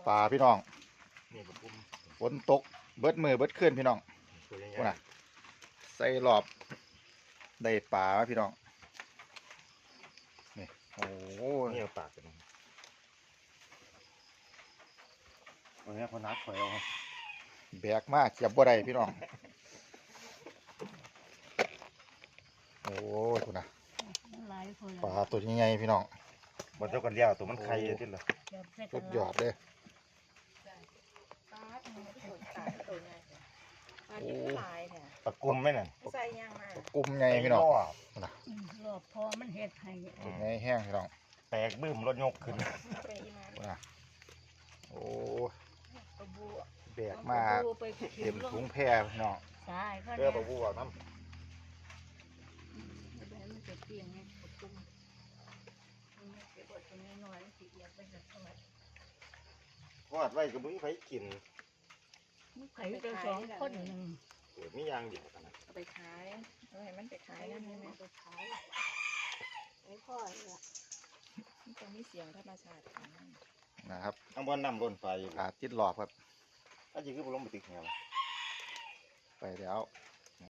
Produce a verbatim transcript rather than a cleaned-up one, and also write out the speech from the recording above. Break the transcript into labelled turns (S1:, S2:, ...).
S1: ปลาพี่น้อง
S2: นี่ปลาปุ้ม
S1: ฝนตกเบิดมือเบิดขึ้นพี่น้อง
S2: ตัวใหญ่
S1: ว่าน่ะใส่รอบได้ปลามาพี่น้องนี่โอ้โห
S2: ๆนี่เอาปากกันวันนี้คนนัดคอยเอา
S1: แบกมากเก็บบ่ได้พี่น้องโอ้ยคุณนะปลาตัวใหญ่ๆพี่น้อง
S2: บนเจ้ากันเลี้ยวตัวมันไข่ที่ละ
S1: สุดยอดเลย
S3: ปลาตัวนี้ปลาตัวใหญ่ปลาที่มันหลายเนี่ย
S2: ปลากุ้มไหมนั่น
S3: ใส่ยังมา
S1: กุ้มใหญ่พี่น้อง
S2: รอบ
S1: นะ
S4: รอบพอมันเห็ดให้
S1: ตัวใหญ่แห้งพี่น้อง
S2: แตกบึ้มรถยกขึ้น
S3: เป็นอีมา
S1: คุณนะโอ้ย
S3: ปลาบู
S1: แบกมากเต็มถุงแพร่พี่น้อง
S4: ใช่ก็
S2: เรือปลาบูเอาน้
S4: มันจะเปลี่ยนไงปกตุ้มมันเก็บบดตรงนี้หน่อยสีเอียดไปจะทอด
S2: ำทอดไว้ก็มึงไปกิน
S4: ไข่ตัวสองคนหนึ่ง
S2: โอ้ยมียางเดียวกันนะ
S3: เอาไปขายเอาให้มันไปขายนั่นนี่ไหม
S4: ไปขายไอ้พ่อเนี่ย
S3: มันจะมีเสียงธรรมชาติของมัน
S1: นะครับ
S2: ข้างบนน้ำล้นไฟอยู่
S1: ปลาติดหลอบครับ
S2: ถ้าจริงคือผมลงไปติดแหว
S1: ไปแล้ว